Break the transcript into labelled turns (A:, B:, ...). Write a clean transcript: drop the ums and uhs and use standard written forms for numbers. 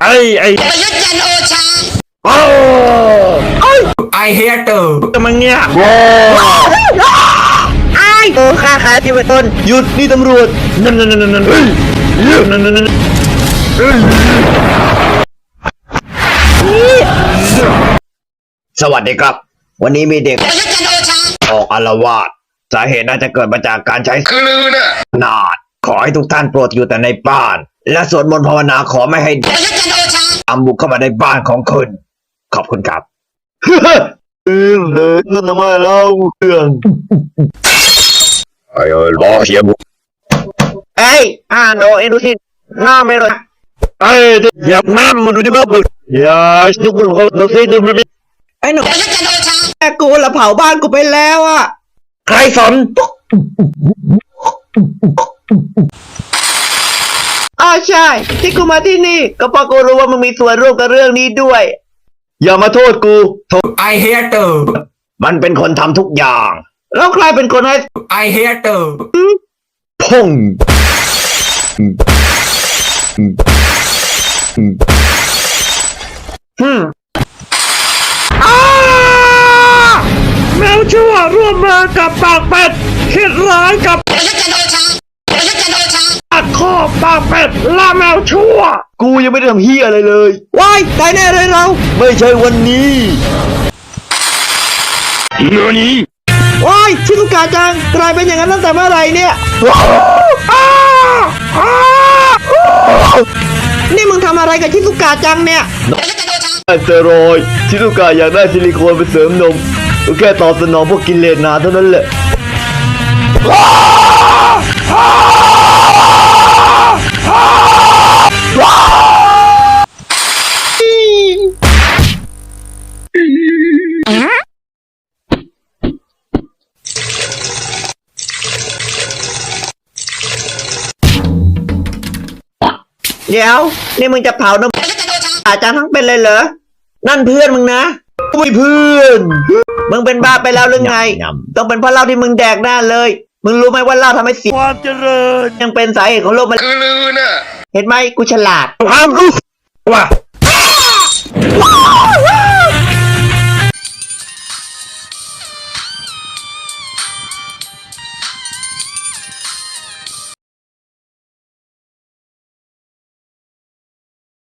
A: ประยุทธ์จันทร์โอชา
B: I hate you
C: จะมาเงี้ยโอ้ข้าขาที่เป็นต้นหยุดนี่ตำรวจนั่นสวัสดีครับวันนี้มีเด็ก
A: ประยุทธ์จันทร์โอชา
C: ออกอาละวาดสาเหตุน่าจะเกิดมาจากการใช้
B: คือลือน่ะ
C: นาดขอให้ทุกท่านโปรดอยู่แต่ในบ้านและสวดมนต์ภาวนาขอไม่ให้
A: ประยุทธ์จันทร์โอชา
C: อัมบุกเข้ามาในบ้านของคุณขอบคุณครับเลยทำไมเล่าเรื่องรอเฮียบุโนเอ็นดูสิหน้าไม่เลยอยากน้ำมันดูดิบ้าบึกอย่าทุกคนเขาดูสิดูดิไอ้หนู
A: ประยุทธ์จันทร์โอชา
C: แม่กูละเผาบ้านกูไปแล้วอ่ะใครสนใช่ที่กูมาที่นี่ก็เพราะกูรู้ว่ามึงมีส่วนร่วมกับเรื่องนี้ด้วยอย่ามาโทษกู
B: I hate you
C: มันเป็นคนทำทุกอย่างแล้วใครเป็นคนให้
B: I hate you
C: พ่งแมวชั่วร่วมมือกับปากเป็ดคิดร้ายกับ
A: ประยุทธ์จันทร์โอชาประยุทธ์จันทร์โอชา
C: ตัดคอปากเป็ดล่าแมวชั่วกูยังไม่ได้ทำเฮียอะไรเลยว้ายตายแน่เลยเราไม่ใช่วันนี้นี่ว้ายชิซุกะจังกลายเป็นอย่างนั้นตั้งแต่เมื่อไหร่เนี่ยนี่มึงทำอะไรกับชิซุกะจังเนี่ยสเตียรอยด์ชิซุกะอยากได้ซิลิโคนไปเสริมนมก็แค่ตอบสนองพวกกิเลสนาเท่านั้นแหละเดี๋ยวนี่มึงจะเผานมอาจารย์ทั้งเป็นเลยเหรอนั่นเพื่อนมึงนะไม่เพื่อนมึงเป็นบ้าไปแล้วหรือไงต้องเป็นเพราะเหล้าที่มึงแดกหน้าเลยมึงรู้ไหมว่าเหล้าทำให้เสียความเจริญยังเป็นสาเหตุของโรคมะเร็ง
B: คือลือน่ะ
C: เห็นไหมกูฉลาดความรู้ว่า